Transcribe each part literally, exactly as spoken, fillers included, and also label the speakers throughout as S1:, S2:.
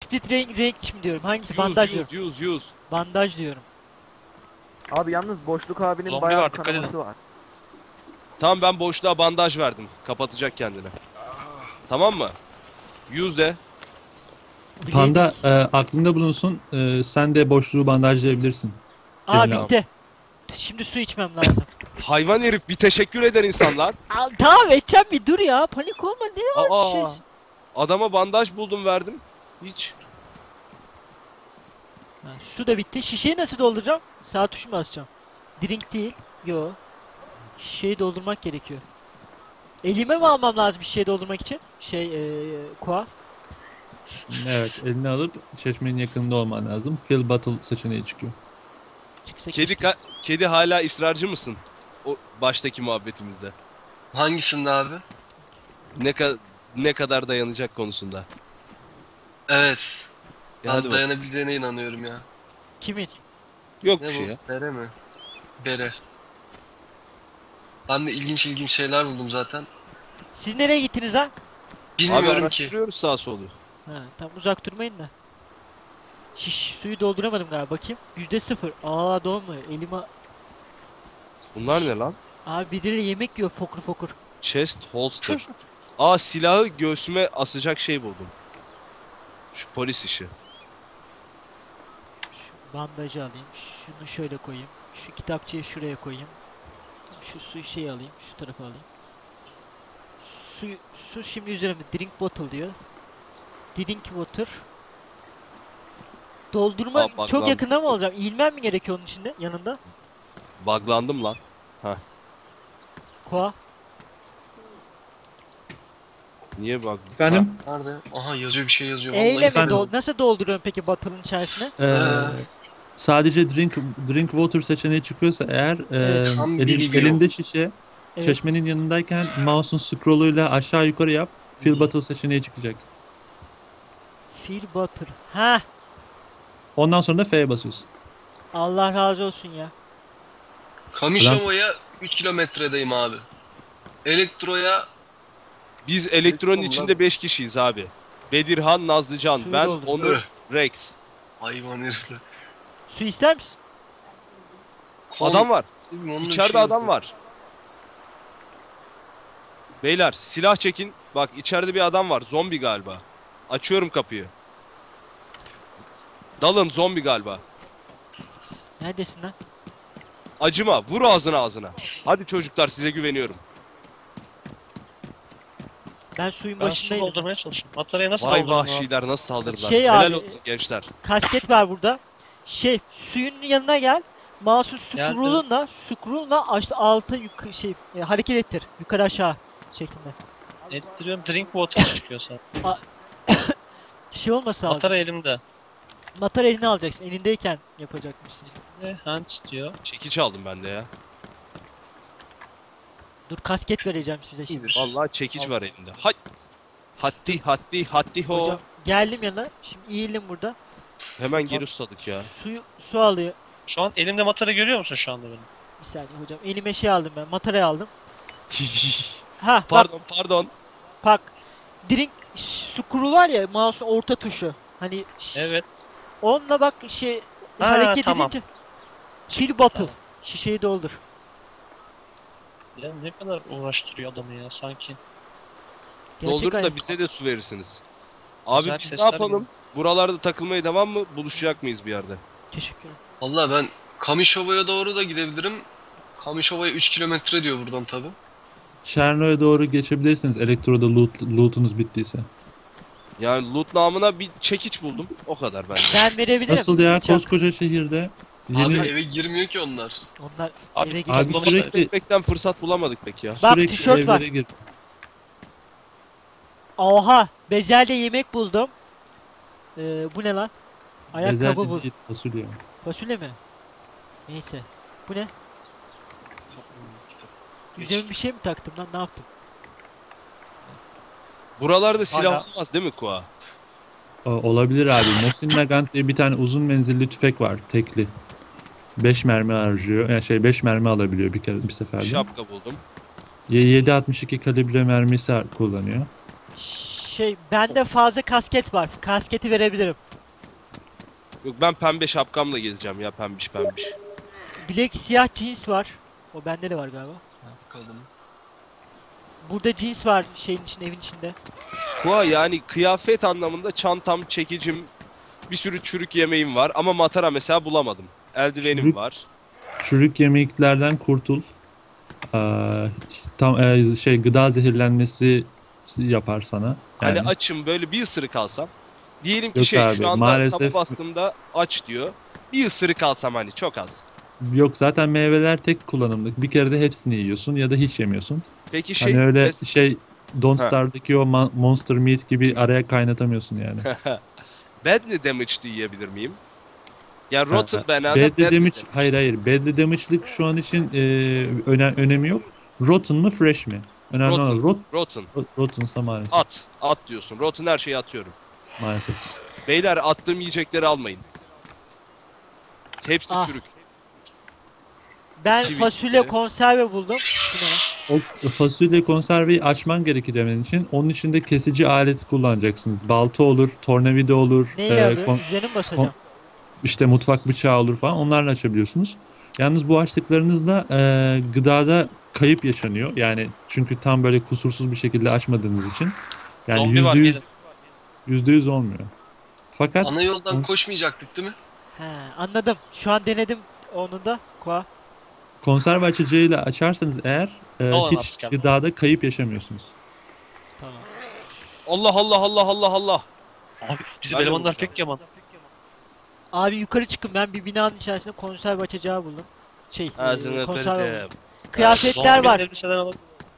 S1: split range, range mi diyorum? Hangisi?
S2: Use,
S1: Bandaj
S2: use,
S1: diyorum.
S2: use, use.
S1: Bandaj diyorum.
S3: Abi yalnız Boşluk abinin
S4: Zombi
S3: bayağı
S4: var, dikkat
S3: kanaması
S4: edin.
S3: var.
S2: Tamam, ben boşluğa bandaj verdim. Kapatacak kendini. Tamam mı? Use de.
S5: Panda e, aklında bulunsun. E, sen de boşluğu bandajlayabilirsin.
S1: Aa
S5: Eline al.
S1: bitti. Şimdi su içmem lazım.
S2: Hayvan herif, bir teşekkür eder insanlar.
S1: Aa, tamam edeceğim, bir dur ya. Panik olma, ne var
S2: Aa,
S1: şey.
S2: adama bandaj buldum, verdim. Hiç.
S1: Ha, su da bitti. Şişeyi nasıl dolduracağım? Sağ tuşu mu basacağım? Drink değil. Yo. Şişeyi doldurmak gerekiyor. Elime mi almam lazım şişeyi doldurmak için? Şey eee koa.
S5: Evet, elini alıp çeşmenin yakınında olman lazım. Fill bottle seçeneği çıkıyor.
S1: Çıksa
S2: Kedi ka- kedi hala ısrarcı mısın? O baştaki muhabbetimizde.
S4: Hangisinde abi?
S2: Ne ka- ne kadar dayanacak konusunda.
S4: Evet.
S2: Ya hadi
S4: Ben
S2: bak.
S4: dayanabileceğine inanıyorum ya.
S1: Kimin?
S2: Yok
S4: Ne
S2: bir şey
S4: bu?
S2: ya.
S4: Bere mi? Bere. Ben de ilginç ilginç şeyler buldum zaten.
S1: Siz nereye gittiniz ha?
S2: Abi
S4: Bilmiyorum ki.
S2: araştırıyoruz sağ solu.
S1: Ha, tam uzak durmayın da. Şiş, suyu dolduramadım galiba, bakayım. Yüzde sıfır. Aa dolmuyor. Elime...
S2: Bunlar ne lan?
S1: Abi birileri yemek yiyor fokur fokur.
S2: Chest holster. Aa, silahı göğsüme asacak şey buldum. Şu polis işi.
S1: Şu bandajı alayım. Şunu şöyle koyayım. Şu kitapçıyı şuraya koyayım. Şu suyu şey alayım. Şu tarafa alayım. Su, su şimdi üzerimde. Drink bottle diyor. Drink water. Doldurma
S2: Aa, bak
S1: çok
S2: lan.
S1: yakında mı olacağım? İğilmem mi gerekiyor onun içinde? Yanında.
S2: Buglandım lan.
S1: Koa.
S2: Niye bug?
S5: Efendim?
S4: Nerede? Aha yazıyor, bir şey yazıyor.
S1: Eyle mi?
S5: efendim.
S1: Dol nasıl dolduruyorum peki bottle'ın içerisine?
S5: Ee, sadece drink drink water seçeneği çıkıyorsa eğer e,
S4: tam
S5: elin-
S4: bilgi
S5: elinde şişe
S1: Evet.
S5: çeşmenin yanındayken mouse'un scroll'uyla aşağı yukarı yap. Fill bottle seçeneği çıkacak.
S1: Fill butter. Ha,
S5: Ondan sonra da F'ye basıyorsun.
S1: Allah razı olsun ya.
S4: Kamisova'ya üç kilometredeyim abi. Elektro'ya
S2: Biz elektronun
S4: Bunlar-
S2: içinde beş kişiyiz abi. Bedirhan, Nazlıcan,
S1: Suyu
S2: ben,
S1: doldur.
S2: Onur, Rex.
S4: hayvan herifler.
S1: Su ister misin?
S2: Adam var.
S4: Onun
S2: İçeride
S4: şey
S2: adam
S4: yapıyor.
S2: var. Beyler silah çekin. Bak içeride bir adam var. Zombi galiba. Açıyorum kapıyı. Dalın, zombi galiba.
S1: Neredesin lan?
S2: Acıma. Vur ağzına ağzına. Hadi çocuklar, size güveniyorum.
S1: Ben suyun
S6: Ben su
S1: başındaydım.
S6: doldurmaya çalışıyorum. Bataryaya nasıl
S2: Vay
S6: doldurdun abi?
S2: vahşiler, nasıl saldırdılar.
S1: Şey
S2: Helal
S1: abi-
S2: olsun gençler.
S1: Kasket var burada. Şey, suyun yanına gel. Mouse'u
S6: Geldim.
S1: scroll'unla, scroll'unla aşağı altı yukarı şey e, hareket ettir. Yukarı aşağı şeklinde.
S6: Ettiriyorum, drink water çıkıyor sana.
S1: Şey olmasa lazım.
S6: Batarya elimde.
S1: Matar elini alacaksın. Elindeyken yapacakmışsın.
S6: Ne? Hands diyor.
S2: Çekiç aldım ben de ya.
S1: Dur, kasket vereceğim size şimdi.
S4: İyidir.
S2: Vallahi çekiç var elinde. Hay. Hatti hatti hatti ho.
S1: Hocam geldim yanına. Şimdi eğildim burada.
S2: Hemen geri susadık ya.
S1: Suyu su alıyor.
S6: Şu an elimde matarya görüyor musun şu anda benim?
S1: Bir saniye hocam. Elime şey aldım ben. Matarayı aldım. Ha bak
S2: Pardon pardon.
S1: bak. Drink scroll var ya, mouse'un orta tuşu. Hani
S6: Evet.
S1: onunla bak şey
S6: Ha,
S1: hareket
S6: tamam.
S1: edince fill bottle.
S6: Tamam.
S1: Şişeyi doldur.
S6: Ya ne kadar uğraştırıyor adamı ya sanki.
S1: Gerçek
S2: Doldurun
S1: hayat.
S2: da bize de su verirsiniz. Abi
S6: Güzel
S2: biz ne
S6: sesler
S2: yapalım?
S6: geliyor.
S2: Buralarda takılmaya devam mı? Buluşacak mıyız bir yerde?
S1: Teşekkür ederim.
S4: Valla ben Kamisova'ya doğru da gidebilirim. Kamisova'ya üç kilometre diyor buradan tabi.
S5: Cherno'ya doğru geçebilirsiniz elektroda loot, lootunuz bittiyse.
S2: Yani loot namına bir çekiç buldum. O kadar bence.
S1: Ben verebilirim.
S5: Nasıl ya,
S1: Bıçak.
S5: koskoca şehirde yeni
S4: Abi eve girmiyor ki onlar.
S1: Onlar
S6: Abi,
S1: eve
S5: Abi
S1: gidiyor.
S6: Aslında
S5: sürekli
S2: Bekmekten fırsat bulamadık peki ya.
S1: Bak,
S5: sürekli
S1: tişört var.
S5: evlere gir.
S1: Oha! Bezelde yemek buldum. Ee, bu ne lan? Ayakkabı
S5: Bezelye
S1: buldum.
S5: değil, fasulye.
S1: Fasulye mi? Neyse. Bu ne? Üzerime bir şey mi taktım lan? Ne yaptım?
S2: Buralarda silah
S6: Hala.
S2: olmaz değil mi Kua?
S5: O- Olabilir abi. Mosin Nagant diye bir tane uzun menzilli tüfek var, tekli. beş mermi harcıyor. Yani şey beş mermi alabiliyor bir kere bir seferde.
S2: Şapka buldum.
S5: yedi altmış iki kalibre mermisi har- kullanıyor.
S1: Şey bende fazla kasket var. Kasketi verebilirim.
S2: Yok ben pembe şapkamla gezeceğim ya, pembiş pembiş.
S1: Black siyah jeans var. O bende de var galiba.
S4: Bakalım.
S1: Burada jeans var şeyin içinde, evin içinde.
S2: Kua yani kıyafet anlamında çantam, çekicim, bir sürü çürük yemeğim var ama matara mesela bulamadım. Eldivenim
S5: Çürük-
S2: var.
S5: Çürük yemeklerden kurtul. Ee, tam e, şey gıda zehirlenmesi yapar sana.
S2: Hani
S5: Yani
S2: açım, böyle bir ısırık alsam. Diyelim ki
S5: Yok
S2: şey
S5: abi,
S2: şu anda
S5: maalesef-
S2: taba bastığımda aç diyor. Bir ısırık alsam hani çok az.
S5: yok zaten meyveler tek kullanımlık. Bir kere de hepsini yiyorsun ya da hiç yemiyorsun.
S2: Peki şey
S5: Hani öyle
S2: mes-
S5: şey Don't
S2: Ha.
S5: Starve'daki o ma- Monster Meat gibi araya kaynatamıyorsun yani.
S2: badly damaged yiyebilir miyim? Yani rotten
S5: Ha,
S2: banana,
S5: Badly
S2: badly
S5: damage,
S2: damaged.
S5: hayır hayır. Badly damage'lık şu an için e, öne- önemi yok. Rotten mı fresh mi? Önemli
S2: Rotten.
S5: olan rot,
S2: Rotten.
S5: rotten'sa maalesef.
S2: At. At diyorsun. Rotten her şeyi atıyorum.
S5: Maalesef.
S2: Beyler attığım yiyecekleri almayın. Hepsi
S1: Ah.
S2: çürük.
S1: Ben
S2: Kivi
S1: fasulye
S2: gitti.
S1: konserve buldum. Bu ne?
S5: O fasulye konserveyi açman gerekir demen için onun için de kesici alet kullanacaksınız. Balta olur, tornavida olur,
S1: Neyle
S5: e,
S1: alıyorum?
S5: kon-
S1: Üzerine mi basacağım?
S5: işte mutfak bıçağı olur falan, onlarla açabiliyorsunuz. Yalnız bu açtıklarınızda e, gıdada kayıp yaşanıyor. Yani çünkü tam böyle kusursuz bir şekilde açmadığınız için. Yani
S6: Zombi var,
S5: yüzde yüz
S6: gelin.
S5: yüzde yüz olmuyor. Fakat
S4: Ana yoldan
S5: Kons-
S4: koşmayacaktık değil mi?
S1: He, anladım. Şu an denedim onu da. Koa.
S5: konserve açıcıyla açarsanız eğer e,
S6: Olan
S5: hiç
S6: asken.
S5: gıdada kayıp yaşamıyorsunuz.
S1: Tamam.
S2: Allah Allah Allah Allah Allah.
S6: Abi bizim
S2: Ben de
S6: elemanlar
S2: bulacağım.
S6: pek yaman.
S1: Abi yukarı çıkın, ben bir binanın içerisinde konserve açacağı buldum. Şey, e,
S2: Ağzını
S1: konserve buldum.
S2: kırdım.
S1: Kıyafetler
S6: Zombi
S1: var.
S6: elbiseden alalım.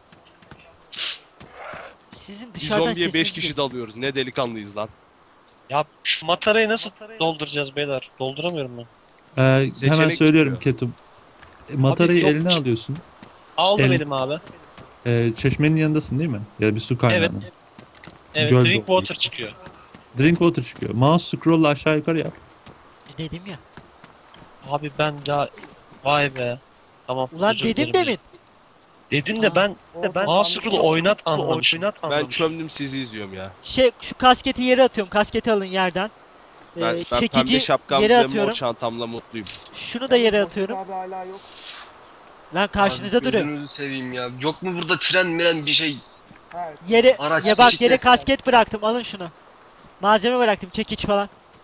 S1: Sizin
S2: Bir
S1: dışarıdan
S2: zombiye beş
S1: sesiniz
S2: kişi
S1: geliyor.
S2: dalıyoruz. Ne delikanlıyız lan.
S6: Ya şu matarayı nasıl dolduracağız beyler? Dolduramıyorum ben.
S5: E, hemen
S2: Seçenek
S5: söylüyorum
S2: çıkıyor.
S5: Ketum. E, Matarayı
S6: yok,
S5: eline
S6: çık-
S5: alıyorsun.
S6: Aldım
S5: El-
S6: elim abi.
S5: E, çeşmenin yanındasın değil mi? Ya da bir su
S6: Evet.
S5: kaynağının.
S6: Evet,
S5: Göl
S6: drink
S5: dolu.
S6: water çıkıyor.
S5: Drink water çıkıyor. Mouse scroll'la aşağı yukarı yap.
S1: E, Dedim ya.
S6: Abi ben ya vay be. Tamam.
S1: Ulan
S6: özür
S1: dedim
S6: dilerim.
S1: demin.
S6: Dedin de ben
S3: ben
S6: mouse scroll'u oynat anlamışım.
S2: Ben çömdüm sizi izliyorum ya.
S1: Şey, şu kasketi yere atıyorum. Kasketi alın yerden. Ee,
S2: Ben, ben pembe
S1: çekici
S2: şapkam
S1: yere
S2: ve mor
S1: atıyorum.
S2: çantamla mutluyum.
S1: Şunu da yere atıyorum.
S3: Abi hala yok.
S1: Lan karşınıza
S4: Abi,
S1: duruyor.
S4: gözünüzü seveyim ya. Yok mu burada tren miren bir şey?
S3: Ha,
S1: Yere,
S4: Araç,
S1: ya bak yere
S4: bisiklet.
S1: kasket bıraktım. Alın şunu. Malzeme bıraktım. Çekiç falan.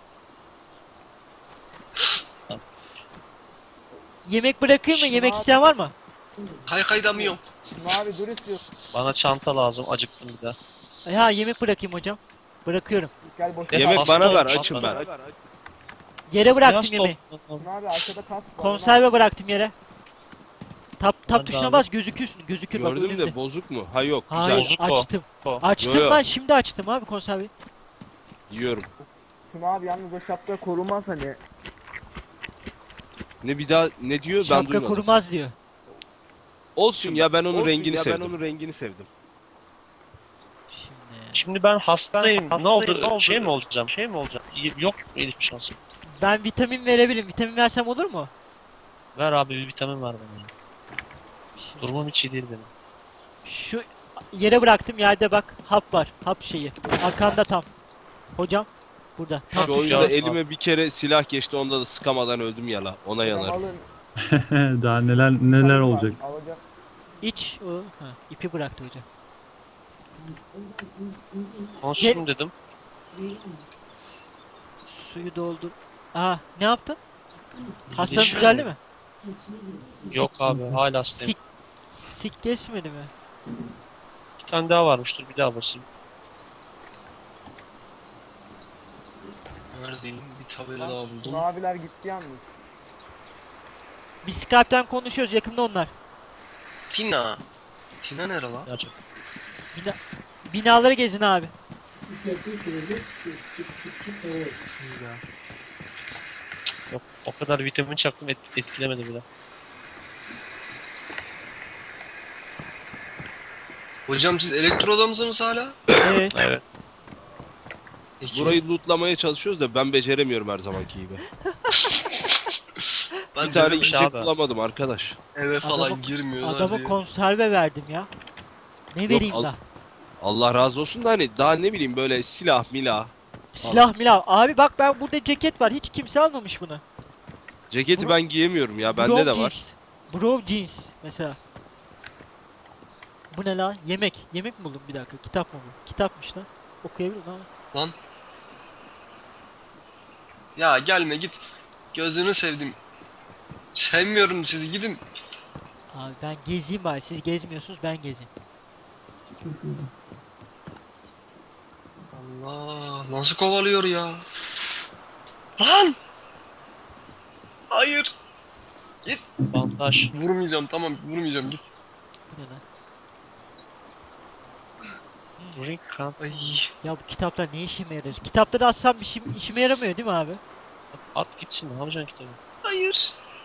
S1: Yemek bırakayım mı? Yemek isteyen var mı?
S4: Kaykaylamıyorum.
S3: Şimdi abi dur istiyorsun.
S6: Bana çanta lazım. Acıktım bir de.
S1: Ha, yemek bırakayım hocam. Bırakıyorum.
S3: Gel boş.
S6: Ya,
S2: Yemek
S6: hasta
S2: bana ver,
S6: olmuş,
S2: açım
S6: hasta.
S2: ben.
S1: Yere bıraktım
S6: Biraz
S1: yemeği.
S6: top-
S3: Şimdi abi arkada kas var.
S1: Konserve bıraktım yere. Tap tap
S6: Ben de
S1: tuşuna
S6: abi.
S1: bas, gözükürsün. Gözükür bak
S2: Gördüm
S1: önünde.
S2: de bozuk mu? Ha yok, güzel.
S1: Hayır,
S6: Bozuk o.
S1: açtım.
S6: O.
S1: Açtım
S2: Yo, yo.
S1: ben, şimdi açtım abi konserveyi.
S2: Yiyorum.
S3: Şimdi abi yalnız o şapka korumaz hani.
S2: Ne bir daha ne diyor ben
S1: Şapka
S2: duymadım.
S1: korumaz diyor.
S2: Olsun ya, ben onun rengini sevdim.
S7: Ben onun rengini sevdim.
S1: Şimdi
S6: Şimdi ben hastayım.
S7: hastayım,
S6: Ne oldu?
S7: ne oldu?
S6: Şey mi olacağım?
S7: Şey mi olacak?
S6: Y- Yok mu hiçbir şansım?
S1: ben vitamin verebilirim. Vitamin versem olur mu?
S6: Ver abi bir vitamin ver bana. ya.
S1: Şimdi
S6: Durumum hiç iyi değil benim.
S1: şu yere bıraktım, yerde bak hap var. Hap şeyi. Arkanda tam. Hocam burada.
S2: Şu
S6: Hafif
S2: oyunda
S6: yağız
S2: elime bir kere silah geçti, onda da sıkamadan öldüm ya la. Ona
S3: Hocam
S2: yanarım.
S3: alın.
S5: Daha neler neler olacak.
S3: Alacak.
S1: İç o. Ha, ipi bıraktı hocam.
S6: Konsüm dedim.
S1: Suyu doldur. Aa, ne yaptın? Hastanın
S6: Yeşil
S1: düzeldi
S6: mi?
S1: mi?
S6: Yok abi hala hastayım.
S1: Sik, sik kesmedi mi?
S6: Bir tane daha varmıştır bir daha basayım.
S4: Neredeyim? Bir tabela daha buldum.
S3: Maviler gitti yalnız.
S1: Biz Skype'ten konuşuyoruz, yakında onlar.
S4: Tina. Tina nere lan?
S6: Gerçekten.
S1: Bina, binaları gezin abi.
S6: Yok o kadar vitamin çaktım et, etkilemedi bile.
S4: Hocam siz elektroda mısınız hala?
S1: Evet.
S6: Evet.
S4: Peki.
S2: Burayı lootlamaya çalışıyoruz da ben beceremiyorum her zamanki gibi.
S4: ben
S2: Bir tane
S6: dedim
S2: yiyecek
S6: abi.
S2: bulamadım arkadaş.
S4: eve falan
S1: Adamı-
S4: girmiyorlar
S1: Adama
S4: diye.
S1: konserve verdim ya. Ne
S2: Yok,
S1: vereyim
S2: al-
S1: da?
S2: Allah razı olsun da hani daha ne bileyim böyle silah milah.
S1: Silah milah. Abi bak ben burada ceket var. Hiç kimse almamış bunu.
S2: Ceketi
S1: Bro-
S2: ben giyemiyorum ya,
S1: Bro
S2: bende de
S1: jeans.
S2: var.
S1: Bro jeans mesela. Bu ne la? Yemek. Yemek mi buldum bir dakika? Kitap mı bu? Kitapmış lan. Okuyabilir miyim ama?
S4: Lan. Ya gelme git. Gözünü sevdim. Sevmiyorum sizi, gidin.
S1: Abi ben gezeyim bari. Siz gezmiyorsunuz, ben gezeyim.
S4: Allah, nasıl kovalıyor ya? Lan! Hayır.
S6: Bandaj.
S4: Vurmayacağım, tamam vurmayacağım, git.
S1: Bu ne lan?
S6: Ring cramp.
S4: Ay.
S1: Ya bu kitaplar ne işime yarar? Kitapları atsam bir şey, işime yaramıyor değil mi abi?
S6: At gitsin, ne yapacaksın kitabı?
S4: Hayır.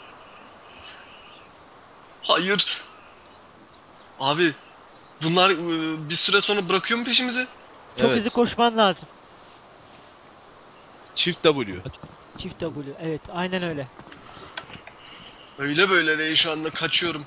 S4: Hayır. Abi bunlar ıı, bir süre sonra bırakıyor mu peşimizi?
S1: Çok
S2: Evet.
S1: hızlı koşman lazım.
S2: Çift W.
S1: Çift W. Evet, aynen öyle.
S4: Öyle böyle değil, şu anda kaçıyorum.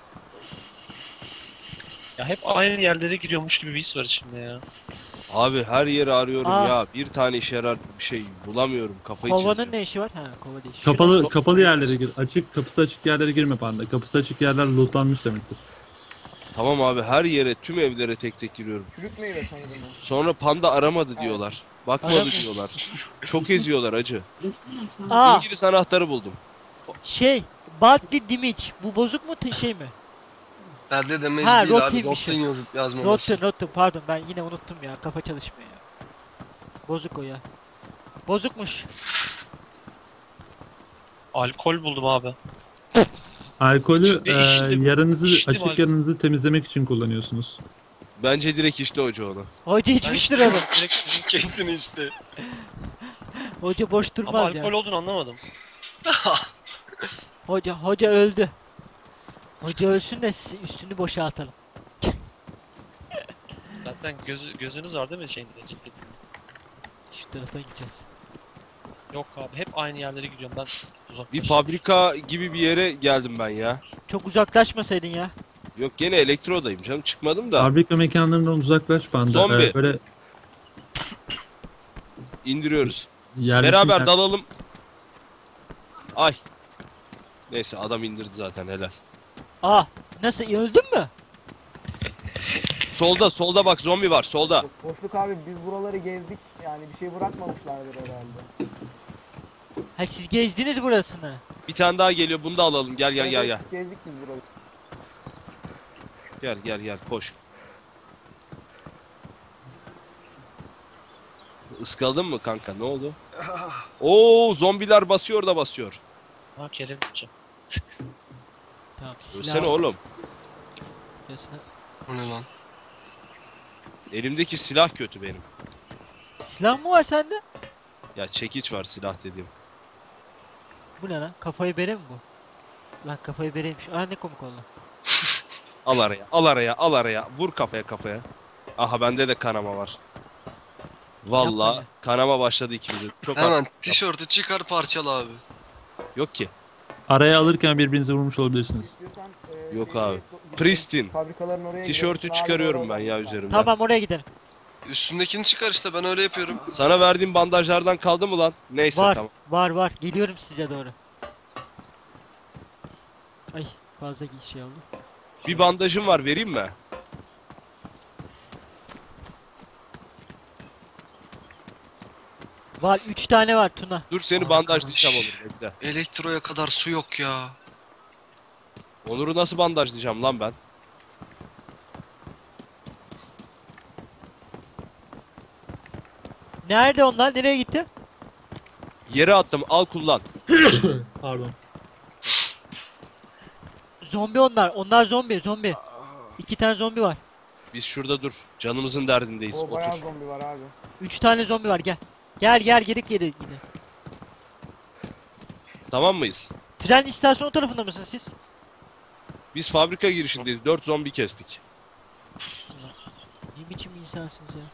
S6: Ya hep aynı yerlere giriyormuş gibi bir his var içimde ya.
S2: Abi her yeri arıyorum
S1: Aa.
S2: ya. Bir tane işe yarar bir şey bulamıyorum. Kafayı
S1: Kovanın
S2: çizeceğim.
S1: ne işi var? Ha, kova değil.
S5: Kapalı
S2: Şuradan-
S5: kapalı yerlere gir. Açık kapısı açık yerlere girme panda. Kapısı açık yerler lootlanmış demektir.
S2: Tamam abi, her yere, tüm evlere tek tek giriyorum.
S3: Çürük meyve sanırım o.
S2: Sonra panda aramadı diyorlar. Bakmadı
S1: Aramıyor.
S2: diyorlar. Çok eziyorlar acı.
S1: Aa,
S2: İngiliz anahtarı buldum.
S1: şey. Badly Damage. Bu bozuk mu te- şey mi?
S4: Bende de
S1: Ha,
S4: mecbur değil abi.
S1: Rotting'miş.
S4: Rotten yazıp yazmaması.
S1: Rotten, Rotten. Pardon ben yine unuttum ya. Kafa çalışmıyor ya. Bozuk o ya. Bozukmuş.
S6: Alkol buldum abi.
S5: Alkolü
S6: İçti,
S5: e,
S6: içtim.
S5: yaranızı
S6: İçtim
S5: açık
S6: alkol.
S5: yaranızı temizlemek için kullanıyorsunuz.
S2: Bence direkt işte hoca onu.
S1: Hoca içmiştir onu.
S6: Direkt drink-
S4: Kendini işte.
S1: Hoca boş
S6: Ama
S1: durmaz
S6: alkol
S1: ya.
S6: olduğunu anlamadım.
S1: Hoca, hoca öldü. Hoca ölsün de siz üstünü boşaltalım.
S6: Zaten gözü, gözünüz var değil mi şeyinde? Ceketin?
S1: Şu tarafa gideceğiz.
S6: Yok abi, hep aynı yerlere gidiyorum ben. Uzak.
S2: Bir fabrika gibi bir yere geldim ben ya.
S1: Çok uzaklaşmasaydın ya.
S2: Yok, gene elektrodayım canım, çıkmadım da.
S5: Fabrika mekanlarından uzaklaş panda.
S2: Zombi.
S5: E, böyle
S2: İndiriyoruz.
S5: yerleşim
S2: Beraber
S5: yer-
S2: dalalım. Ay. Neyse, adam indirdi zaten, helal.
S1: Aa, nasıl öldün mü?
S2: Solda solda bak, zombi var solda.
S3: Boşluk abi biz buraları gezdik yani bir şey bırakmamışlardır herhalde.
S1: Ha siz gezdiniz burasını.
S2: Bir tane daha geliyor, bunu da alalım. Gel gel gel gel.
S3: Evet, gezdik biz burayı.
S2: Gel gel gel, koş. Iskaladın mı kanka, ne oldu? Oo, zombiler basıyor da basıyor.
S6: Ha, Kerem gideceğim.
S1: Tamam silah.
S2: Ölsene oğlum.
S1: Silah-
S4: O ne lan?
S2: Elimdeki silah kötü benim.
S1: Silah mı var sende?
S2: Ya çekiç var, silah dediğim.
S1: Bu ne lan? Kafayı bere mi bu? Lan kafayı bereymiş. Aa ne komik oldu.
S2: Al araya, al araya, al araya. Vur kafaya kafaya. Aha, bende de kanama var. Valla
S1: Yapma ya.
S2: kanama başladı ikimize. Çok
S4: Hemen
S2: haksızlık yaptım.
S4: tişörtü çıkar parçala abi.
S2: Yok ki.
S5: Araya alırken birbirinize vurmuş olabilirsiniz.
S3: İstiyorsan, e,
S2: Yok
S3: şey-
S2: abi.
S3: gidelim,
S2: Pristine.
S3: Fabrikaların oraya
S2: Tişörtü
S3: gidelim.
S2: çıkarıyorum
S3: Abi,
S2: ben ya
S3: oradan-
S2: üzerimden.
S1: Tamam oraya gidelim.
S4: Üstündekini çıkar işte, ben öyle yapıyorum.
S2: Sana verdiğim bandajlardan kaldı mı lan? Neyse,
S1: Var,
S2: tamam.
S1: var var. Geliyorum size doğru. Ay fazla şey oldu.
S2: Bir bandajım var, vereyim mi?
S1: Var üç tane var Tuna.
S2: Dur, seni bandajlayacağım Onur, bekle.
S4: Elektroya kadar su yok ya.
S2: Onur'u nasıl bandajlayacağım lan ben?
S1: Nerede onlar? Nereye gitti?
S2: Yere attım, al kullan.
S5: Pardon.
S1: Zombi onlar. Onlar zombi, zombi. İki tane zombi var.
S2: Biz şurada dur. Canımızın derdindeyiz.
S3: O bayağı
S2: Otur.
S3: zombi var abi.
S1: Üç tane zombi var gel. Gel gel geri geri gidin.
S2: Tamam mıyız?
S1: Tren istasyonu tarafında mısınız siz?
S2: Biz fabrika girişindeyiz. Dört zombi kestik.
S1: Ne biçim insansınız ya?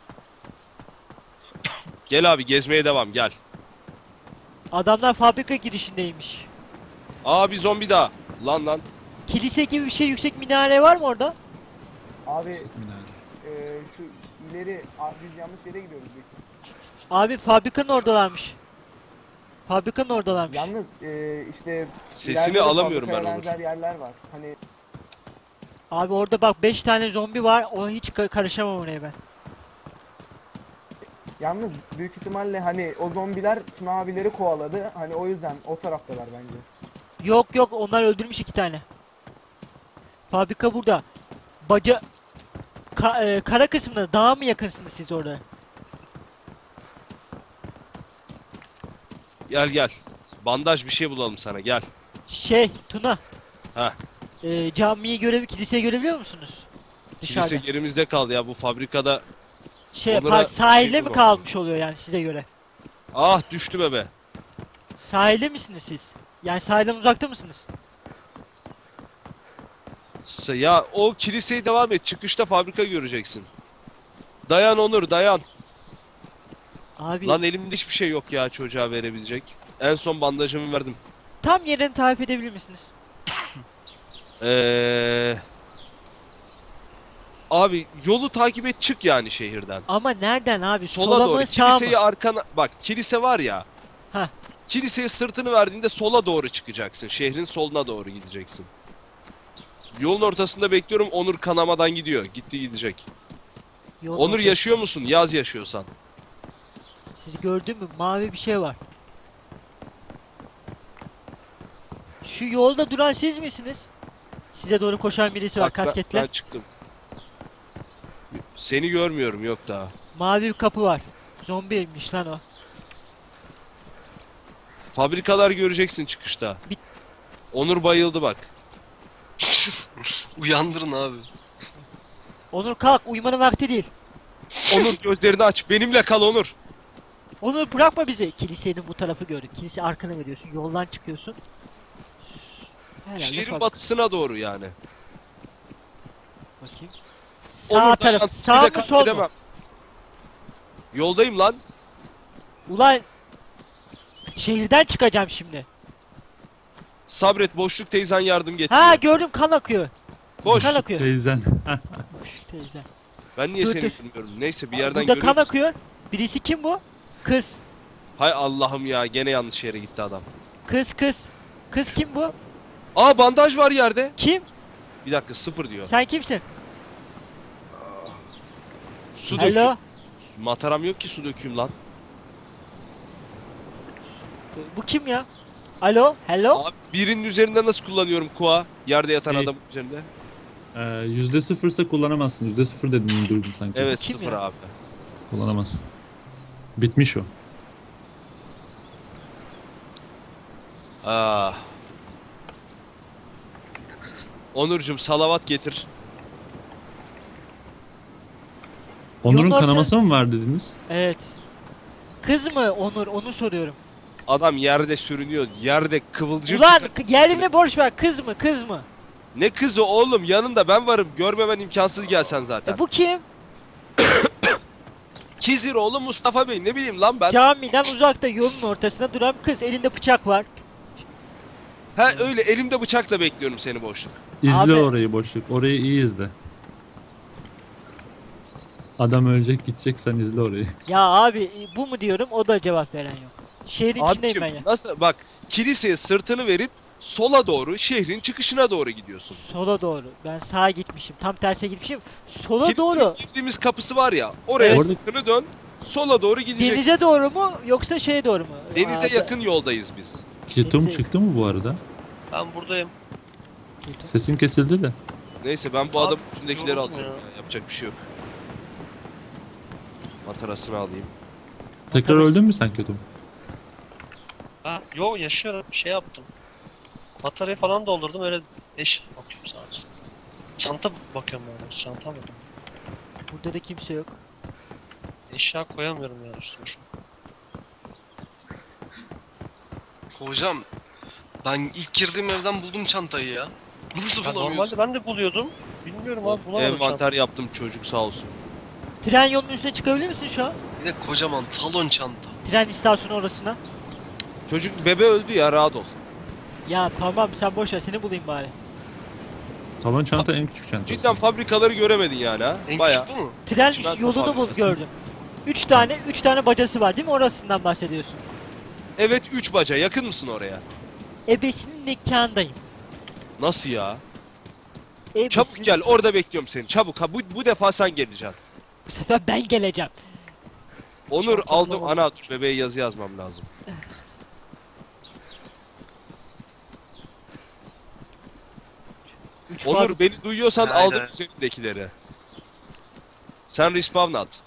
S2: Gel abi, gezmeye devam, gel.
S1: Adamlar fabrika girişindeymiş.
S2: Aa, bir zombi daha. Lan lan.
S1: Kilise gibi bir şey, yüksek minare var mı orada?
S3: Abi e, şu ileri Aa, biz yanlış yere gidiyoruz büyük.
S1: Abi fabrikanın oradalarmış. Fabrikanın oradalarmış.
S3: Yalnız e, işte
S2: Sesini
S3: ileride de
S2: alamıyorum ben
S3: fabrikaya
S2: Onur.
S3: benzer yerler var. Hani
S1: Abi orada bak beş tane zombi var. O hiç ka- karışamam oraya ben.
S3: yalnız büyük ihtimalle hani o zombiler Tuna abileri kovaladı. Hani o yüzden o taraftalar bence.
S1: Yok yok onlar öldürmüş iki tane. Fabrika burada. Baca Ka- e, kara kısmında dağa mı yakınsınız siz orada?
S2: Gel gel. Bandaj bir şey bulalım sana gel.
S1: Şey Tuna.
S2: Heh.
S1: E, camiyi görev kiliseyi görebiliyor musunuz?
S2: Kilise
S1: Dışarıda.
S2: gerimizde kaldı ya bu fabrikada.
S1: Şey
S2: Onlara
S1: pa- sahilde
S2: şey
S1: mi
S2: bulmamız
S1: kalmış oluyor yani size göre?
S2: Ah düştü bebe.
S1: Sahilde misiniz siz? Yani sahilden uzakta mısınız?
S2: S- Ya o kiliseye devam et. Çıkışta fabrika göreceksin. Dayan Onur dayan.
S1: Abi
S2: Lan elimde hiçbir şey yok ya çocuğa verebilecek. En son bandajımı verdim.
S1: tam yerini tarif edebilir misiniz?
S2: Eee... Abi yolu takip et çık yani şehirden.
S1: Ama nereden abi?
S2: Sola
S1: Sola
S2: doğru.
S1: mı sağ mı?
S2: Kiliseyi arkana... Bak kilise var ya.
S1: Heh.
S2: Kiliseye sırtını verdiğinde sola doğru çıkacaksın. Şehrin soluna doğru gideceksin. Yolun ortasında bekliyorum. Onur kanamadan gidiyor. Gitti gidecek.
S1: Yolun
S2: Onur
S1: ortasında.
S2: yaşıyor musun? Yaz yaşıyorsan.
S1: Siz gördün mü? Mavi bir şey var. Şu yolda duran siz misiniz? Size doğru koşan birisi var
S2: Bak ben,
S1: kasketle.
S2: ben çıktım. Seni görmüyorum yok daha.
S1: Mavi bir kapı var. Zombiymiş lan o.
S2: Fabrikalar göreceksin çıkışta.
S1: Bit-
S2: Onur bayıldı bak.
S4: Uyandırın abi.
S1: Onur kalk uyumanın vakti değil.
S2: Onur gözlerini aç. Benimle kal Onur.
S1: Onur bırakma bizi. Kilisenin bu tarafı gördük. Kilise arkana veriyorsun. Yoldan çıkıyorsun. Herhalde
S2: Şehrin
S1: fabrika.
S2: batısına doğru yani.
S1: Bakayım.
S2: Onur
S1: Sağ
S2: dayan.
S1: taraf.
S2: Seni
S1: Sağ
S2: de
S1: mı sol mu?
S2: kaybedemem. Yoldayım lan.
S1: Ulan şehirden çıkacağım şimdi.
S2: Sabret boşluk teyzen yardım
S1: Ha
S2: getiriyor.
S1: gördüm kan akıyor.
S2: Koş.
S1: Kan akıyor.
S5: Teyzen.
S1: Boş teyze.
S2: Ben niye
S1: Dur,
S2: seni
S1: dur.
S2: bilmiyorum. Neyse bir yerden
S1: Burada kan
S2: görüyor musun?
S1: akıyor. Birisi kim bu? Kız.
S2: Hay Allah'ım ya gene yanlış yere gitti adam.
S1: Kız kız. Kız kim bu?
S2: Aa bandaj var yerde.
S1: Kim?
S2: Bir dakika sıfır diyor.
S1: Sen kimsin?
S2: Su
S1: Hello.
S2: döküyor. Mataram yok ki su dökeyim lan.
S1: Bu kim ya? Alo? Hello?
S2: Abi birinin üzerinde nasıl kullanıyorum kuğa? Yerde yatan
S5: Hey.
S2: adam üzerinde.
S5: Ee, yüzde sıfırsa kullanamazsın. Yüzde sıfır dediğini duydum sanki.
S2: Evet
S1: Kim
S2: sıfır
S1: ya?
S2: abi.
S5: Kullanamazsın. Bitmiş o.
S2: Aa. Onurcuğum salavat getir.
S5: Onur'un
S1: Yolun orta-
S5: kanaması mı var dediniz?
S1: Evet. Kız mı Onur? Onu soruyorum.
S2: Adam yerde sürünüyor. Yerde kıvılcım
S1: Ulan
S2: çıkar-
S1: k- yerine borç ver. Kız mı? Kız mı?
S2: Ne kızı oğlum yanında ben varım. Görmemen imkansız gelsen zaten.
S1: E, bu kim?
S2: Kizir oğlum Mustafa Bey ne bileyim lan ben.
S1: Camiden uzakta yolun ortasında duran kız. Elinde bıçak var.
S2: Ha öyle elimde bıçakla bekliyorum seni boşluk.
S5: İzle
S1: Abi-
S5: orayı boşluk. Orayı iyi izle. Adam ölecek gidecek sen izle orayı.
S1: Ya abi e, bu mu diyorum o da cevap veren yok. Şehrin içindeyim
S2: Abiciğim
S1: ben ya.
S2: nasıl bak kiliseye sırtını verip sola doğru şehrin çıkışına doğru gidiyorsun.
S1: Sola doğru. Ben sağa gitmişim. Tam terse gitmişim. Sola
S2: Kilisenin
S1: doğru.
S2: girdiğimiz kapısı var ya oraya
S1: Evet.
S2: sırtını dön sola doğru gideceksin.
S1: Denize doğru mu yoksa şeye doğru mu?
S2: Denize
S1: Aa,
S2: yakın yoldayız biz.
S5: Ketum
S1: Neyse.
S5: çıktı mı bu arada?
S6: Ben buradayım.
S1: da-
S5: Sesin kesildi de.
S2: Neyse ben bu
S6: Abi,
S2: adamın üstündekileri
S6: yoruldum
S2: alıyorum
S6: ya.
S2: ya. Yapacak bir şey yok. Matarasını alayım.
S5: Tekrar
S1: Bakarız.
S5: öldün mü sen Ketum?
S6: Ha, yo yaşıyorum. Şey yaptım. Bataryayı falan doldurdum öyle eş bakıyorum sadece. Çanta bakıyorum ben. Çanta mı?
S1: Burada da kimse yok.
S6: Eşya koyamıyorum ya üstüme şu an.
S4: Hocam ben ilk girdiğim evden buldum çantayı ya. Nasıl
S6: Ya
S4: bulamıyorsun?
S6: normalde ben de buluyordum. Bilmiyorum abi
S2: Of,
S6: bulamadım
S2: envanter
S6: çantayı.
S2: yaptım çocuk sağ olsun.
S1: Tren yolunun üstüne çıkabilir misin şu an?
S4: Bir de kocaman talon çanta.
S1: Tren istasyonu orasına.
S2: Çocuk bebe öldü ya rahat ol.
S1: Ya tamam sen boş ver seni bulayım bari.
S5: Talon çanta en küçük çanta.
S2: Cidden fabrikaları göremedin yani ha.
S4: En
S2: Baya.
S4: küçük bu mu?
S1: Tren
S2: Çimento
S1: yolunu bul
S2: fabrikası.
S1: gördüm. Üç tane, üç tane bacası var değil mi? Orasından bahsediyorsun.
S2: Evet üç baca. Yakın mısın oraya?
S1: Ebesinin nikahındayım.
S2: Nasıl ya?
S1: Ebesinin...
S2: Çabuk gel. Orada bekliyorum seni. Çabuk. Ha, bu, bu defa sen geleceksin.
S1: Bu sefer ben geleceğim.
S2: Onur
S1: Çok
S2: aldım.
S1: anlamadım.
S2: Ana dur bebeğe yazı yazmam lazım.
S1: Üç
S2: Onur
S1: fabri-
S2: beni duyuyorsan
S6: Aynen.
S2: aldım üzerindekileri. Sen respawn at.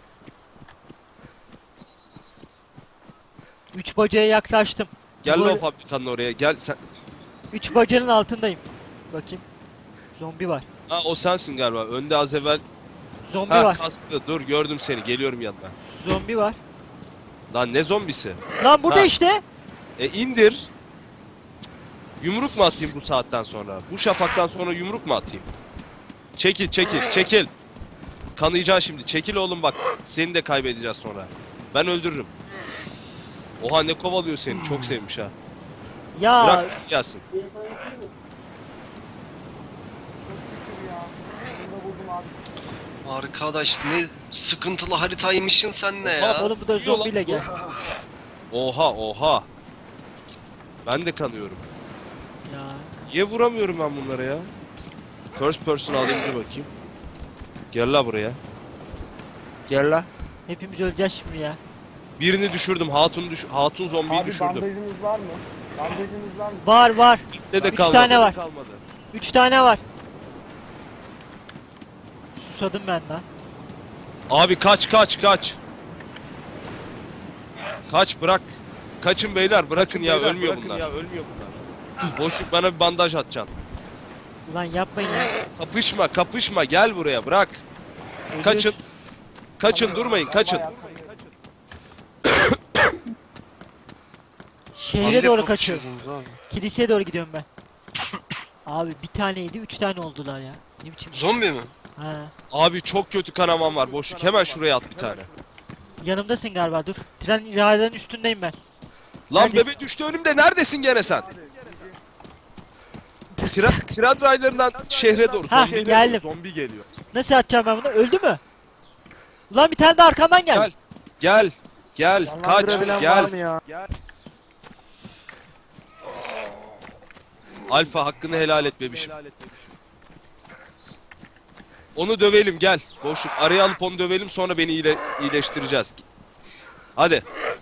S1: Üç bacaya yaklaştım.
S2: Gel
S1: Böyle-
S2: o fabrikanın oraya. Gel sen.
S1: Üç bacanın altındayım. Bakayım. Zombi var.
S2: Ha o sensin galiba. Önde az evvel.
S1: Zombi
S2: Ha
S1: var.
S2: kastı. Dur gördüm seni. Geliyorum yanına.
S1: Zombi var.
S2: Lan ne zombisi?
S1: Lan burada
S2: Ha.
S1: işte.
S2: E indir. Yumruk mu atayım bu saatten sonra? Bu şafaktan sonra yumruk mu atayım? Çekil çekil çekil. Kanayacaksın şimdi. Çekil oğlum bak. Seni de kaybedeceğiz sonra. Ben öldürürüm. Oha ne kovalıyor seni. Çok sevmiş ha.
S1: Ya
S2: Bırak gelsin.
S3: Çok şükür ya. Bunu da buldum abi.
S4: Arkadaş ne sıkıntılı haritaymışsın sen ne ya?
S1: oğlum bu da
S2: Yiyor lan
S1: zombiyle
S2: bu.
S1: gel.
S2: Oha oha. Ben de kanıyorum.
S1: Ya.
S2: Niye vuramıyorum ben bunlara ya? First person alayım bir bakayım. Gel la buraya. Gel la.
S1: Hepimiz öleceğiz şimdi ya.
S2: Birini düşürdüm. Hatun düş Hatun zombiyi
S3: Abi
S2: düşürdüm.
S3: bandajınız var mı? Bandajınız var mı?
S1: Var var.
S2: Ne de
S1: Üç
S2: kalmadı.
S1: tane var.
S2: Kalmadı.
S1: Üç tane var. Susadım ben lan.
S2: Abi kaç kaç kaç. Kaç bırak. Kaçın beyler bırakın ya ölmüyor bunlar.
S7: Ya ölmüyor bunlar.
S2: Boşluk bana bir bandaj atacaksın.
S1: Ulan yapmayın ya.
S2: Kapışma kapışma gel buraya bırak.
S1: Ölüyoruz.
S2: Kaçın. Kaçın durmayın kaçın.
S3: Bayağı-
S1: Şehre
S2: Hazret
S1: doğru
S2: yok
S1: kaçıyorum.
S4: Yapıyorsunuz abi.
S1: Kiliseye doğru gidiyorum ben. Abi bir taneydi, üç tane oldular ya. Ne biçim?
S4: Zombi mi?
S1: Ha.
S2: Abi çok kötü kanamam var boşluk hemen şuraya at bir tane.
S1: Yanımdasın galiba dur. Tren rayların üstündeyim ben.
S2: Lan
S1: Neredesin?
S2: bebe düştü önümde neredesin gene sen? Tren, tren raylarından şehre doğru.
S1: Ha,
S2: zombi-
S1: geldim.
S7: Zombi geliyor.
S1: Nasıl atacağım ben bunu? Öldü mü? Ulan bir tane de arkamdan geldi.
S2: Gel. Gel. Gel. Kaç.
S3: Canlandırabilen
S2: Gel.
S3: var mı ya?
S2: Alfa hakkını helal et bebişim.
S7: Helal et bebişim.
S2: Onu dövelim gel. Boşluk. Araya alıp onu dövelim sonra beni iyile iyileştireceğiz. Hadi.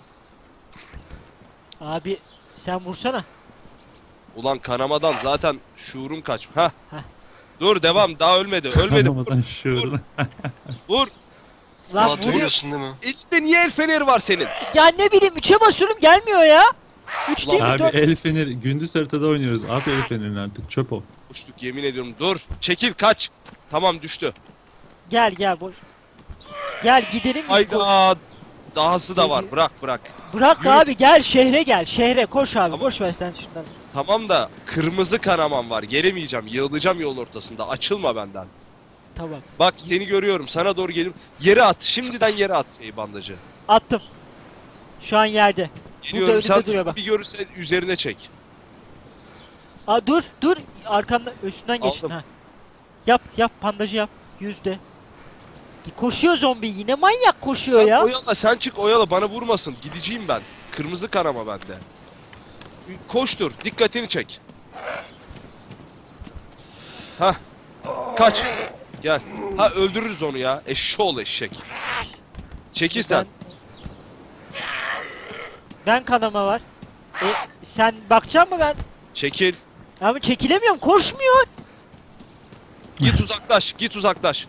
S1: Abi sen vursana.
S2: Ulan kanamadan zaten şuurum kaç. Ha.
S1: Heh.
S2: Dur devam daha ölmedi. Ölmedi.
S5: Kanamadan şuuruna.
S2: Vur.
S1: Lan
S4: Aa,
S1: vuruyor.
S4: duyuyorsun değil mi?
S2: İşte niye el feneri var senin?
S1: Ya ne bileyim üçe basıyorum gelmiyor ya. Üç değil mi?
S5: Abi
S1: Dört.
S5: el feneri gündüz haritada oynuyoruz. At el fenerini artık çöp o.
S2: Boşluk yemin ediyorum. Dur. Çekil kaç. Tamam düştü.
S1: Gel gel boş. Gel gidelim. biz.
S2: Hayda. Dahası da var. Bırak bırak.
S1: Bırak
S2: Yürü.
S1: abi gel şehre gel. Şehre koş abi.
S2: Tamam.
S1: Boş ver sen şundan.
S2: Tamam da kırmızı kanamam var. Gelemeyeceğim. Yığılacağım yolun ortasında. Açılma benden.
S1: Tamam.
S2: Bak seni görüyorum. Sana doğru geliyorum. Yere at. Şimdiden yere at ey bandajı.
S1: Attım. Şu an yerde.
S2: Geliyorum.
S1: önümde
S2: Sen
S1: duruyor bak.
S2: bir görürse üzerine çek.
S1: Aa dur dur. Arkamda üstünden geçtin
S2: Aldım.
S1: ha. Yap yap bandajı yap. Yüzde. Koşuyor zombi yine manyak koşuyor
S2: Sen
S1: ya.
S2: oyala. Sen çık oyala. Bana vurmasın. Gideceğim ben. Kırmızı kanama bende. Koştur. Dikkatini çek. Hah. Kaç. Gel. Ha öldürürüz onu ya. Eşşoğlu eşek. Çekil sen.
S1: Ben kanama var. E sen bakacak mı ben?
S2: Çekil.
S1: Abi çekilemiyorum koşmuyor.
S2: Git uzaklaş. Git uzaklaş.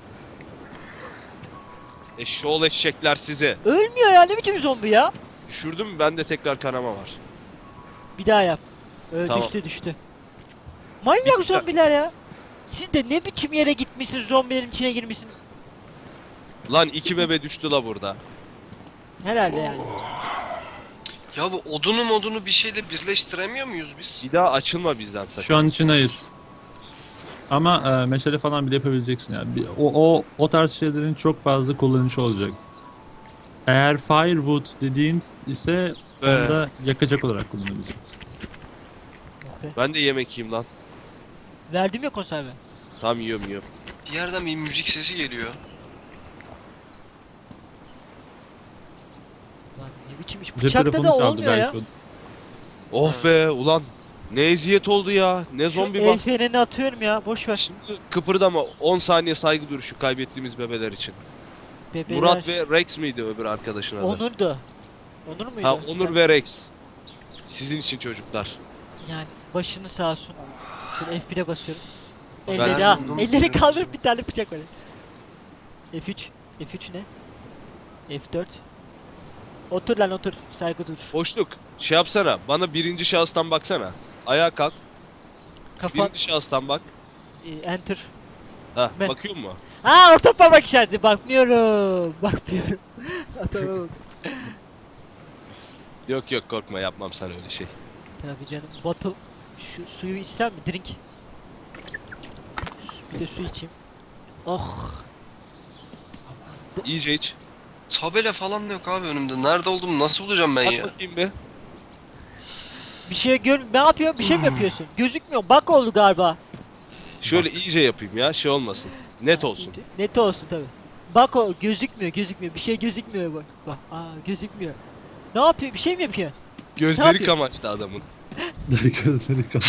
S2: Eşşoğlu eşekler sizi.
S1: Ölmüyor ya ne biçim zombi ya.
S2: Düşürdüm bende tekrar kanama var.
S1: Bir daha yap. Öyle
S2: Tamam.
S1: düştü düştü. Manyak
S2: Bitti.
S1: zombiler ya. Siz de ne biçim yere gitmişsiniz zombilerin içine girmişsiniz.
S2: Lan iki bebe düştü la burada.
S1: Herhalde yani.
S4: Ya bu odunu modunu bir şeyle birleştiremiyor muyuz biz?
S2: Bir daha açılma bizden sakın.
S5: Şu an için hayır. Ama e, meşale falan bile yapabileceksin yani. Bir- O, o, o tarz şeylerin çok fazla kullanışı olacak. Eğer firewood dediğin ise
S2: Be.
S5: onu da yakacak olarak kullanabileceksin.
S2: Ben de yemek yiyeyim lan.
S1: Verdim ya konserve.
S2: Tam yiyorum yiyorum.
S4: Bir yerden bir müzik sesi geliyor.
S1: Lan ne biçim iş.
S5: Cep
S1: Bıçakta
S5: telefonu
S1: da
S5: çaldı
S1: olmuyor ya.
S5: belki.
S2: Oh be ulan. Ne eziyet oldu ya. Ne zombi
S1: El
S2: bastı.
S1: frenini atıyorum ya. Boş ver.
S2: Şimdi kıpırdama. on saniye saygı duruşu kaybettiğimiz bebeler için.
S1: Bebeler.
S2: Murat ve Rex miydi öbür arkadaşın adı?
S1: Onur'du. Onur muydu?
S2: Ha Onur ve Rex. Sizin için çocuklar.
S1: Yani başını sağ olsun. Şöyle F bir'e basıyorum.
S2: Ben-
S1: Elleri ha.
S4: buldum.
S1: Elleri kaldırıp bir tane bıçak var. F üç. F üç ne? F dört. Otur lan otur. Saygı dur.
S2: Boşluk. Şey yapsana. Bana birinci şahıstan baksana. Ayağa kalk.
S1: Kafa.
S2: Birinci şahıstan bak.
S1: e, Enter.
S2: Ha
S1: Ben-
S2: bakıyor mu?
S1: Aa orta parmak işareti. Bakmıyorum. Bakmıyorum. Atamam.
S2: Yok yok korkma yapmam sana öyle şey.
S1: Tabii canım. Bottle. Şu suyu içsem mi? Drink. Bir de su içeyim. Oh.
S2: İyice iç.
S4: Tabela falan da yok abi önümde. Nerede olduğumu nasıl bulacağım ben
S2: Bak
S4: ya?
S2: bakayım bir.
S1: Bir şey gör... Ne yapıyorsun? Bir şey mi yapıyorsun? Gözükmüyor. Bak oldu galiba.
S2: Şöyle iyice yapayım ya şey olmasın. Net olsun.
S1: Net olsun tabi. Bak o gözükmüyor gözükmüyor. Bir şey gözükmüyor bak. Bak aa gözükmüyor. Ne yapıyor? Bir şey mi yapıyor?
S2: Gözleri
S1: yapıyor?
S2: kamaştı adamın.
S5: Gözleri kapalı.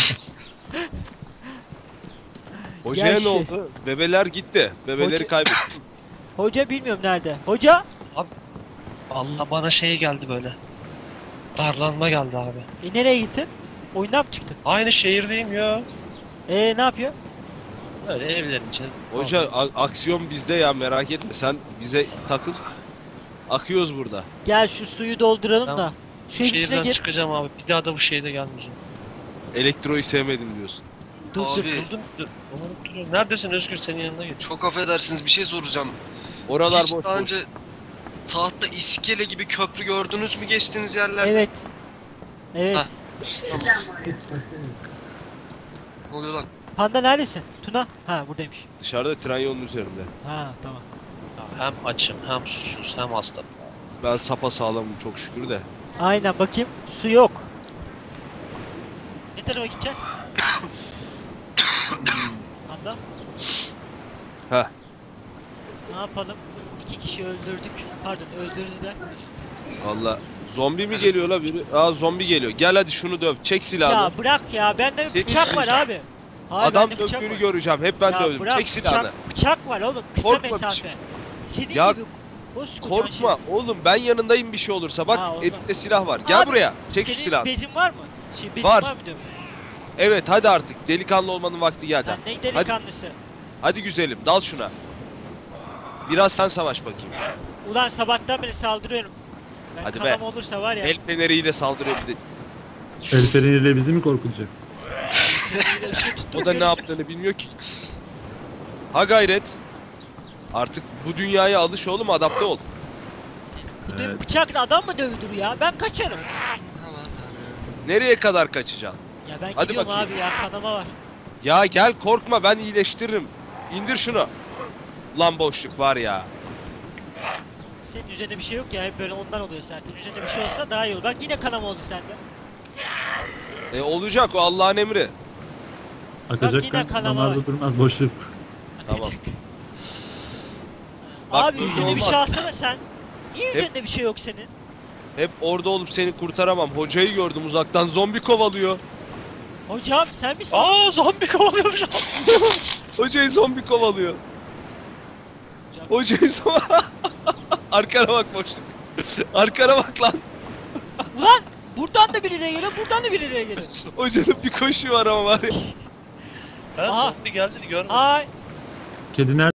S2: Hocaya
S1: Ya
S2: ne
S1: şey-
S2: oldu? Bebeler gitti. Bebeleri
S1: Hoca-
S2: kaybettik.
S1: Hoca bilmiyorum nerede. Hoca?
S6: Allah bana şey geldi böyle. Darlanma geldi abi.
S1: E nereye gittin? Oyundan mı çıktın?
S6: Aynı şehirdeyim ya.
S1: E ne yapıyor?
S6: Öyle evlerin içinde.
S2: Hoca a- aksiyon bizde ya merak etme sen bize takıl. Akıyoruz burada.
S1: Gel şu suyu dolduralım
S6: Tamam.
S1: da. Şu evin içine
S6: Şehirden
S1: gir.
S6: çıkacağım abi. Bir daha da bu şehirde gelmeyeceğim.
S2: Elektroyu sevmedim diyorsun.
S1: Dur dur.
S4: Abi
S6: Buldum. dur, umarım duruyorum. Neredesin Özgür? Senin yanına git.
S4: çok affedersiniz bir şey soracağım.
S2: Oralar
S4: Hiç
S2: boş
S4: daha
S2: boş.
S4: önce tahta iskele gibi köprü gördünüz mü geçtiğiniz yerler?
S1: Evet. Evet.
S4: Ha. Ne oluyor lan?
S1: Panda neredesin? Tuna? Ha buradaymış.
S2: Dışarıda tren yolunun üzerinde.
S1: Ha tamam.
S6: Ya hem açım hem susuz hem hasta.
S2: Ben sapa sağlamım çok şükür de.
S1: Aynen bakayım. Su yok. Ne tarafa gideceğiz? Panda?
S2: Heh.
S1: Ne yapalım? İki kişi öldürdük. Pardon öldürdüler.
S2: Valla zombi mi geliyor la biri? Aa zombi geliyor. Gel hadi şunu döv. Çek silahını.
S1: Ya bırak ya bende
S2: Seni
S1: bıçak var
S2: izleyeceğim.
S1: abi. Hayır,
S2: Adam
S1: bende bıçak
S2: dövdüğünü
S1: var.
S2: göreceğim. Hep ben
S1: Ya
S2: dövdüm.
S1: bırak,
S2: Çek silahını.
S1: Bıçak, bıçak var oğlum kısa
S2: Korkma
S1: mesafe. Senin
S2: Ya,
S1: gibi koskocaman
S2: Korkma
S1: şey.
S2: oğlum ben yanındayım bir şey olursa. Bak
S1: Ha, o
S2: elinde silah var. Gel
S1: Abi,
S2: buraya. Çek şu
S1: Senin
S2: silahını.
S1: bezin var mı? Şey, bezin
S2: Var.
S1: var mı diyorum.
S2: Evet hadi artık. Delikanlı olmanın vakti geldi.
S1: Sen ne delikanlısı.
S2: Hadi güzelim dal şuna. Biraz sen savaş bakayım.
S1: Ulan sabahtan beri saldırıyorum. Ben
S2: Hadi be.
S1: kanam olursa var ya.
S2: El feneriyle saldırıyor bir de. Şu-
S5: El feneriyle bizi mi korkutacaksın?
S2: O da ne yaptığını bilmiyor ki. Ha gayret. Artık bu dünyaya alış oğlum adapte ol.
S1: Bu dö-
S5: Evet.
S1: bıçakla adam mı dövülür ya? Ben kaçarım.
S2: Nereye kadar kaçacaksın?
S1: Ya ben
S2: Hadi
S1: gidiyorum
S2: bakayım.
S1: abi ya kanama var.
S2: Ya gel korkma ben iyileştiririm. İndir şunu. Lan boşluk var ya.
S1: Senin üzerinde bir şey yok ya hep böyle ondan oluyor zaten. Üzerinde bir şey olsa daha iyi olur. Bak yine kanama oldu sende.
S2: E olacak o Allah'ın emri.
S5: Akacak
S1: yine
S5: kan
S1: kanama
S5: damarda
S1: var.
S5: durmaz boşluk.
S2: Tamam. Bak,
S1: Abi
S2: böyle
S1: üzerinde bir şey
S2: olmaz.
S1: alsana sen. Niye
S2: Hep-
S1: üzerinde bir şey yok senin?
S2: Hep orada olup seni kurtaramam. Hocayı gördüm uzaktan zombi kovalıyor.
S1: Hocam sen misin?
S6: Aa zombi kovalıyormuş abi.
S2: Hocayı zombi kovalıyor. Hocayı zombi... Arkana bak boşluk. Arkana bak lan.
S1: Ulan buradan da birileri geliyor buradan da birileri geliyor.
S2: Hocanın bir koşuyor var ama var ya.
S6: Ben
S1: Aha.
S6: zombi geldi görmedim.
S1: Ay
S5: Kedi nerede?